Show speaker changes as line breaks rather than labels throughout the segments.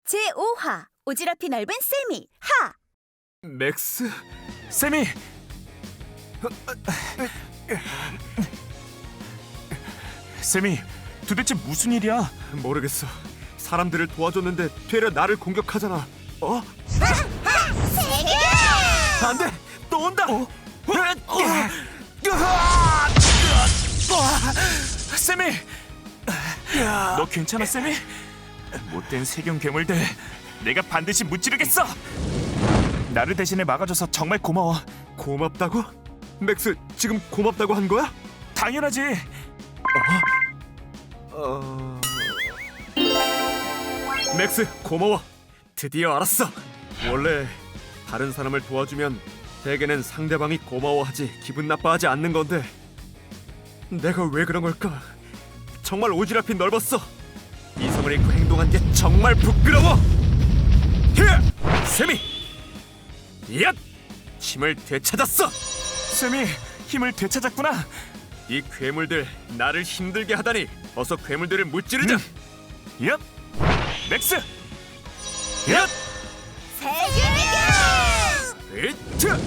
제5화 오지랖이 넓은 세미 하!
맥스? 세미! 세미, 도대체 무슨 일이야? 모르겠어. 사람들을 도와줬는데 되려 나를 공격하잖아. 어?
세계!
안 돼! 또 온다! 세미! 너 괜찮아, 세미? 못된 세균 괴물들, 내가 반드시 무찌르겠어! 나를 대신에 막아줘서 정말 고마워. 고맙다고? 맥스, 지금 고맙다고 한 거야? 당연하지. 맥스, 고마워. 드디어 알았어. 원래 다른 사람을 도와주면 대개는 상대방이 고마워하지 기분 나빠하지 않는 건데 내가 왜 그런 걸까? 정말 오지랖이 넓었어. 이성을 잃고 행동한 게 정말 부끄러워. 히야! 세미! 얏! 힘을 되찾았어. 세미, 힘을 되찾았구나. 이 괴물들 나를 힘들게 하다니. 어서 괴물들을 무찌르자. 얏! 맥스! 얏!
세계!
이트!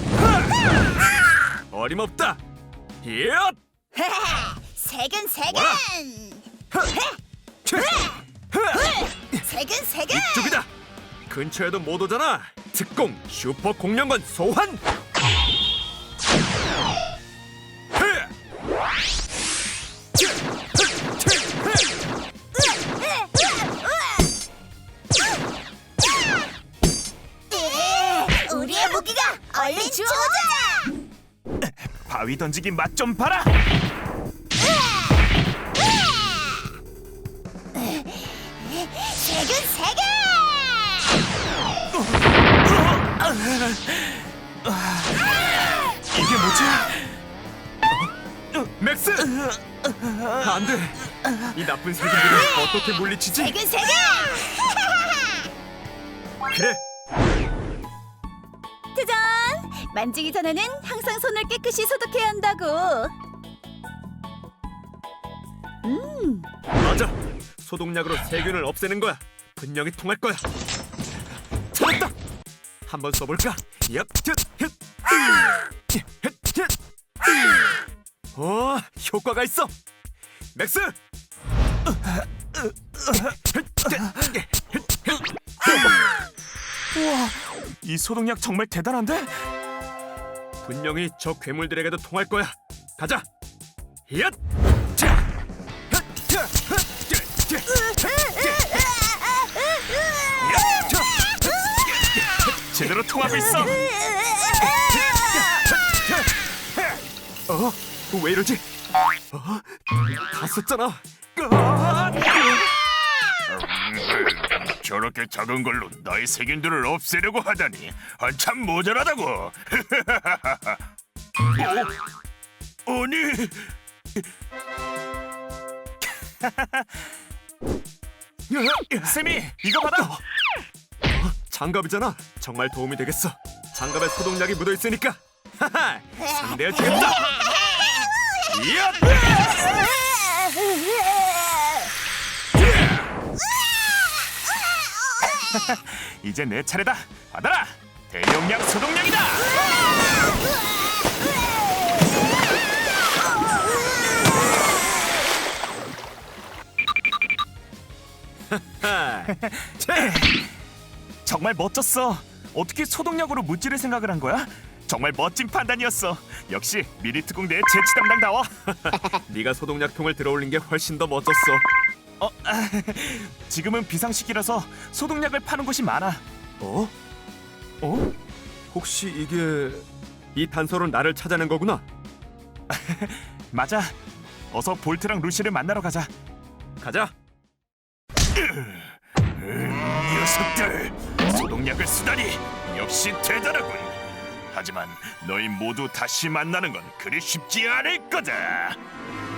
어림없다. 얏!
세근
와라!
세근 세근!
이쪽이다. 근처에도 못 오잖아. 특공 슈퍼 공룡건 소환.
우리의 무기가 얼른 주워오자!
바위 던지기 맛 좀 봐라.
세근 세근!
이게 뭐지? 맥스! 안 돼. 이 나쁜 세균들을 어떻게 물리치지?
세근 세근!
그래.
짜잔! 만지기 전에는 항상 손을 깨끗이 소독해야 한다고.
맞아. 소독약으로 세균을 없애는 거야. 분명히 통할 거야. 찾았다. 한번 써볼까? 얍, 효과가 있어. 맥스. 우와, 이 소독약 정말 대단한데? 분명히 저 괴물들에게도 통할 거야. 가자. 얍. 제대로 통하고 있어. 왜 이러지? 다 썼잖아.
저렇게 작은 걸로 너의 세균들을 없애려고 하다니 한참 모자라다고. 아니,
세미, 이거 받아. 장갑이잖아. 정말 도움이 되겠어. 장갑에 소독약이 묻어 있으니까. 상대해 주겠다. 이야! 이제 내 차례다. 받아라. 대용량 소독약이다. 정말 멋졌어. 어떻게 소독약으로 무찌를 생각을 한 거야? 정말 멋진 판단이었어. 역시 미리특공 대의 재치 담당다워. 네가 소독약통을 들어올린 게 훨씬 더 멋졌어. 지금은 비상시기라서 소독약을 파는 곳이 많아. 어? 혹시 이게 이 단서로 나를 찾아낸 거구나? 맞아. 어서 볼트랑 루시를 만나러 가자. 가자.
녀석들, 소독약을 쓰다니 역시 대단하군. 하지만 너희 모두 다시 만나는 건 그리 쉽지 않을 거다.